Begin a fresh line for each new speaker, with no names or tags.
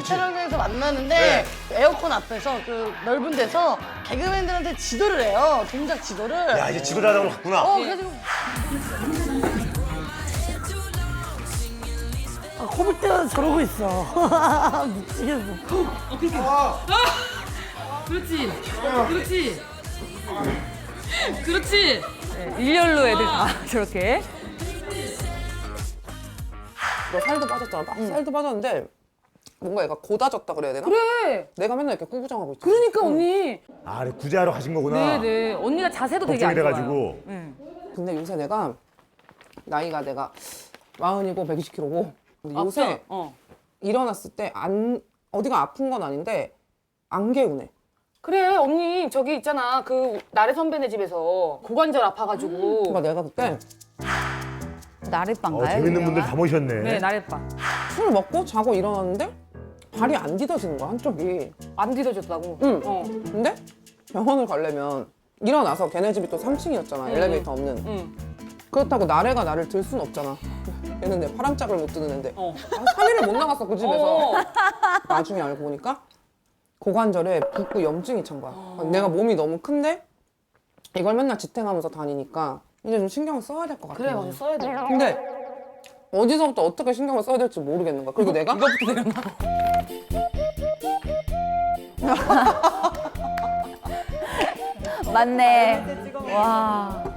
촬영장에서 만나는데 에어컨 앞에서 그 넓은 데서 개그맨들한테 지도를 해요. 동작 지도를.
야, 이제 지도를 하다 갔구나.
그래가지고 코빅대가 저러고 있어. 미치겠어.
그렇지. 그렇지. 그렇지. 네, 일렬로 애들 다 저렇게.
너 살도 빠졌잖아. 살도 빠졌는데 뭔가 얘가 고다졌다 그래야 되나?
그래.
내가 맨날 이렇게 꾸부정하고 있지.
그러니까 언니.
아, 그래, 구제하러 가신 거구나.
네네. 언니가 자세도 되게
걱정이
안 좋아요.
돼가지고.
근데 요새 내가 나이가 내가 40이고 120kg고 요새 일어났을 때 어디가 아픈 건 아닌데 안 개운해.
그래 언니 저기 있잖아 그 나래 선배네 집에서 고관절 아파가지고.
그러니까 내가 그때
나래빵가요?
재밌는 분들 다 모셨네.
네 나래빵.
술 먹고 자고 일어났는데 발이 안 디뎌지는 거야, 한쪽이.
안 뒤져졌다고.
응.
어.
근데 병원을 가려면 일어나서 걔네 집이 또 3층이었잖아. 엘리베이터 없는.
응.
그렇다고 나래가 나를 들 순 없잖아. 얘는 내 파란짝을 못 드는 애인데.
어.
3일을 못 나갔어, 그 집에서.
어.
나중에 알고 보니까 고관절에 붓고 염증이 찬 거야. 내가 몸이 너무 큰데 이걸 맨날 지탱하면서 다니니까 이제 좀 신경을 써야 될 것 같아.
그래 맞아 써야 돼.
근데 어디서부터 어떻게 신경을 써야 될지 모르겠는 거야. 그리고 내가
이거부터 내렸나?
맞네. 와.